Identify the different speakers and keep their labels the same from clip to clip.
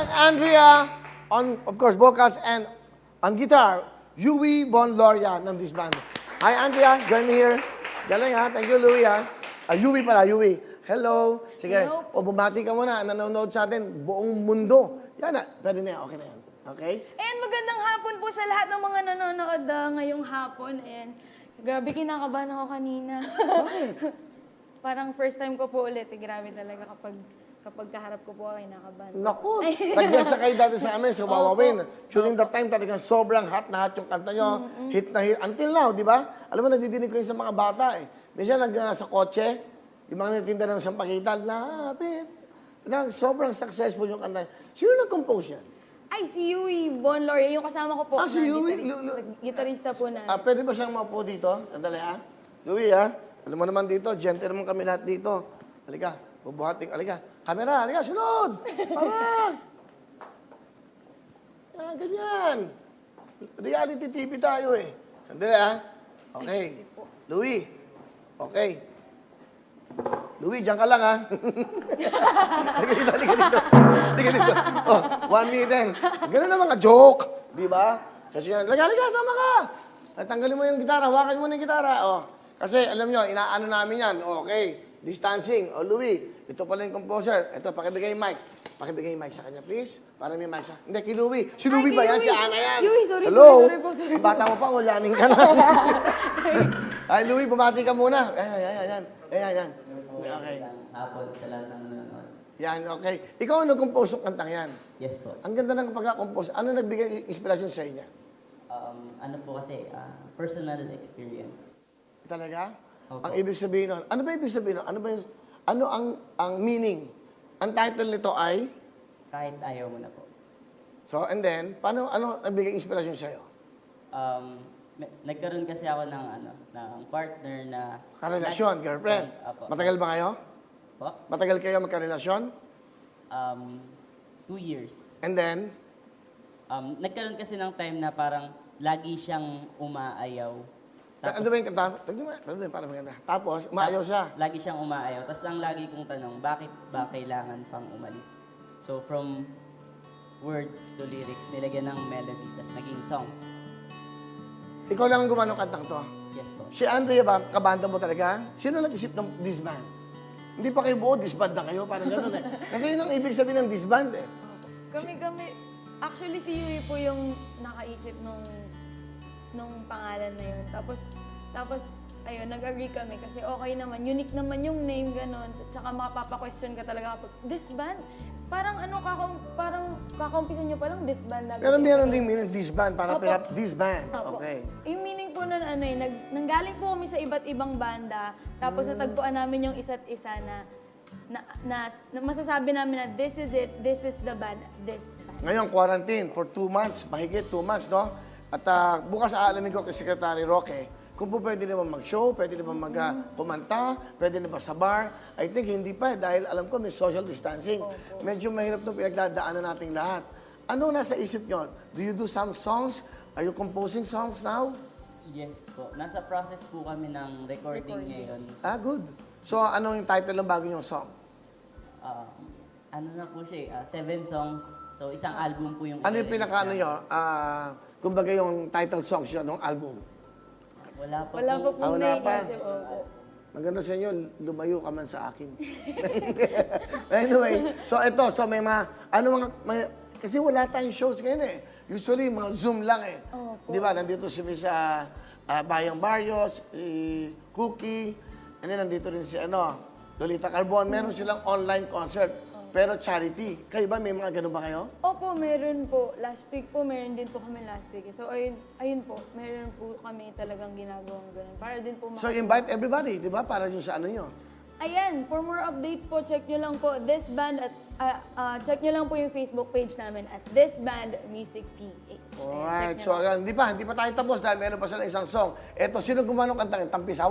Speaker 1: and Andrea on, of course, vocals and on guitar, Yui Von Loria ng disband. Hi, Andrea. Join me here. Galing ha. Thank you, Louie ha. Yui pala, Yui. Hello. Sige.
Speaker 2: Hello.
Speaker 1: O, bumati ka muna. Nanonood sa atin. Buong mundo. Yan na. Pwede na yan. Okay na yan. Okay?
Speaker 2: And magandang hapon po sa lahat ng mga nanonood ngayong hapon. And grabe, kinakabahan ako kanina. Parang first time ko po ulit. Grabe talaga kapag kaharap ko po, kinakabahan.
Speaker 1: Naku. Nag-guest na kayo dati sa amin sa Wawawin. During that time, talagang sobrang hot na hot yung kanta nyo. Hit na hit. Until now, di ba? Alam mo, nagdidinig ko yun sa mga bata eh. Minsan sa kotse, yung mga nagtinda ng sampakitan, lapit. Sobrang successful yung kanta. Sino nag-compose yan?
Speaker 2: Ay, si Yui Von Loria, yung kasama ko po.
Speaker 1: Si Yui?
Speaker 2: Gitarista po na.
Speaker 1: Pwede ba siyang maupo dito? Sandali ha? Louie ha? Alam mo naman dito, gentle naman kami lahat dito. Halika, bubuhating, halika. Camera, halika, sunod! Para! Yan, ganyan. Reality TV tayo eh. Sandali ha? Okay. Louie. Okay. Louie, diyan ka lang ha. Halika dito, halika dito. Halika dito. Oh, 1 minute din. Ganun naman ka, joke. Di ba? Kasi yan, halika, sama ka. At tanggalin mo yung gitara, hawakan mo na yung gitara. Oh. Kasi alam nyo, inaano namin yan. Okay, distancing. Oh, Louie, ito pala yung composer. Ito, pakibigay yung mic. Pakibigay yung mic sa kanya, please. Para may mic siya. Hindi, kay Louie. Si Louie ba yan? Si Ana yan.
Speaker 2: Yui, sorry,
Speaker 1: Hello?
Speaker 2: sorry po.
Speaker 1: Ang bata mo pa, ulanin ka na. Ay, Louie, bumati ka muna. Ayan. Okay.
Speaker 3: Hapon sa lahat ng nanonood.
Speaker 1: Yan, okay. Ikaw ang nag-compose ng kantang yan.
Speaker 3: Yes po.
Speaker 1: Ang ganda ng pagka-compose. Ano nagbigay inspirasyon sa inyo?
Speaker 3: Ano po kasi, personal experience.
Speaker 1: Talaga?
Speaker 3: Opo.
Speaker 1: Ang ibig sabihin nun. Ano ba ibig sabihin nun? Ano ang meaning? Ang title nito ay?
Speaker 3: Kahit ayaw mo na po.
Speaker 1: So, and then, ano nagbigay inspirasyon sa'yo?
Speaker 3: Nagkaroon kasi ako ng partner na...
Speaker 1: Karelasyon, girlfriend.
Speaker 3: Apo.
Speaker 1: Matagal ba kayo?
Speaker 3: Po?
Speaker 1: Matagal kayo magkarelasyon?
Speaker 3: 2 years.
Speaker 1: And then?
Speaker 3: Nagkaroon kasi ng time na parang lagi siyang umaayaw.
Speaker 1: Ano ba yung kanta? Tignan mo, para maganda. Tapos, umaayaw siya.
Speaker 3: Lagi siyang umaayaw. Tapos ang lagi kong tanong, bakit ba kailangan pang umalis? So from words to lyrics, nilagyan ng melody, tapos naging song.
Speaker 1: Ikaw lang ang gumawa ng kantang to.
Speaker 3: Yes po.
Speaker 1: Si Andrea ba, kabanda mo talaga? Sino nag-isip ng disband? Hindi pa kayo buo, disband na kayo, parang gano'n eh. Kasi yun ang ibig sabihin ng disband eh.
Speaker 2: Kami, actually si Yui po yung nakaisip nung pangalan na yun. Tapos, ayun, nag-agree kami kasi okay naman, unique naman yung name, gano'n. Tsaka mapapa-question ka talaga kapag, disband? Parang parang kakumpisan nyo palang disband.
Speaker 1: Pero meron ding meaning disband, parang
Speaker 2: Opo.
Speaker 1: disband.
Speaker 2: Opo.
Speaker 1: Okay.
Speaker 2: Yung meaning po nun, nanggaling po kami sa iba't ibang banda, tapos natagpuan namin yung isa't isa na masasabi namin na this is it, this is the band, this band.
Speaker 1: Ngayon, quarantine for 2 months, mahigit 2 months, no? At bukas aalamin ko kay Secretary Roque, kung po pwede naman mag-show, pwede naman kumanta, pwede naman sa bar. I think hindi pa dahil alam ko may social distancing. Medyo mahirap itong pinagdadaanan nating lahat. Ano nasa isip nyo? Do you do some songs? Are you composing songs now?
Speaker 3: Yes po. Nasa process po kami ng recording ngayon.
Speaker 1: Good. So, ano yung title ng bago nyong song?
Speaker 3: Ano na po siya, 7 songs. So isang album po yung...
Speaker 1: Ano yung
Speaker 3: i-release
Speaker 1: pinaka-ano
Speaker 3: na.
Speaker 1: nyo? Kumbaga yung title songs yun ng album.
Speaker 3: Wala pa
Speaker 2: Wala
Speaker 3: po.
Speaker 2: po pong
Speaker 1: Wala pa.
Speaker 2: naiisip. Opo.
Speaker 1: Maganda sa inyo, lumayo ka man sa akin. Anyway, so may kasi wala tayong shows ngayon eh. Usually, mga Zoom lang eh.
Speaker 2: Opo.
Speaker 1: Di ba? Nandito si Miss Bayang Barrios, Cookie, and then nandito rin si Lolita Carbon. Meron silang online concert, pero charity. Kayo ba, may mga ganun ba kayo?
Speaker 2: Opo, meron po. Last week po, meron din po kami last week. So, ayun po, meron po kami talagang ginagawang ganun. Para din po
Speaker 1: So, invite everybody, di ba? Para yung sa ano nyo.
Speaker 2: Ayan, for more updates po, check nyo lang po this band at check nyo lang po yung Facebook page namin at This Band Music PH.
Speaker 1: Alright,
Speaker 2: Check
Speaker 1: so
Speaker 2: nyo lang.
Speaker 1: hindi pa tayo tapos dahil meron pa sila isang song. Eto, sino gumawa ng kantang? Tampisaw?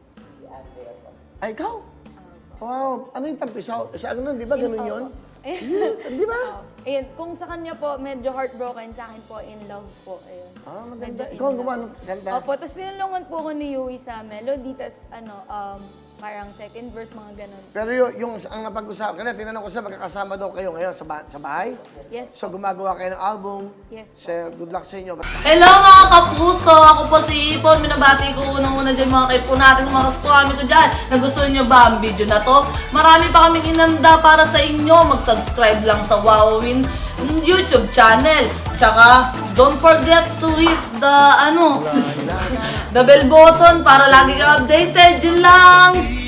Speaker 1: Ay, ikaw? Wow, ano yung tampisaw? Sa ano nun, di ba ganun yun? Di ba?
Speaker 2: Ayun, kung sa kanya po, medyo heartbroken, sa akin po, in love po. Ayun.
Speaker 1: Maganda.
Speaker 2: Medyo in
Speaker 1: Ikaw ang
Speaker 2: love.
Speaker 1: gumawa ng kanta?
Speaker 2: Opo, tapos tinulungan po ko ni Yui sa melody, tapos parang second verse, mga ganon.
Speaker 1: Pero yung ang napag-usapan, kanina tinanong ko siya, magkakasama daw kayo ngayon sa bahay?
Speaker 2: Yes
Speaker 1: So
Speaker 2: po.
Speaker 1: gumagawa kayo ng album.
Speaker 2: Yes po.
Speaker 1: So, good luck sa inyo.
Speaker 4: Hello mga kapuso! Ako po si Ipon. Minabati ko unang-una dyan mga kaipo natin, mga kaskwami ko dyan. Nagustuhan nyo ba ang video na to? Marami pa kaming inanda para sa inyo. Mag-subscribe lang sa Wowin YouTube channel. Tsaka, don't forget to hit the, the bell button para lagi ka updated. Yun lang!